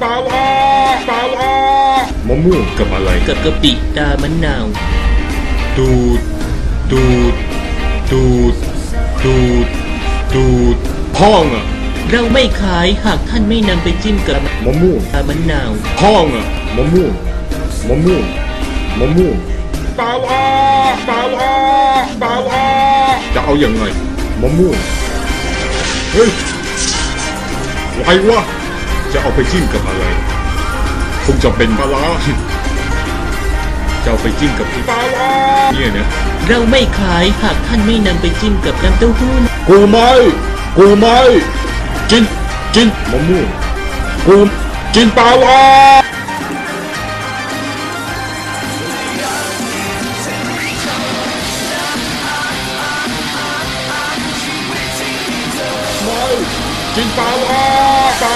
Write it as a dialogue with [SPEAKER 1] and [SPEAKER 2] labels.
[SPEAKER 1] มะม่วงกับอะไร
[SPEAKER 2] กับกะปิตามะนาว
[SPEAKER 1] ตูดตูดตูดตูดตูดพ่องอ่ะ
[SPEAKER 2] เราไม่ขายหากท่านไม่นำไปจิ้มกับ
[SPEAKER 1] มะม่วง
[SPEAKER 2] ตามะนาว
[SPEAKER 1] พ่องอ่ะมะม่วงมะม่วงมะม่วงจะเอาอย่างไงมะม่วงเฮ้ยไรวะจะเอาไปจิ้มกับอะไรคงจะเป็นปลาร้าจะเอาไปจิ้มกับปลาร้าเนี่ยนะ
[SPEAKER 2] เราไม่ขายหากท่านไม่นำไปจิ้มกับน้ำเต้าหู้
[SPEAKER 1] กูไม่กินมะม่วงกูกินปลาร้ากินปลา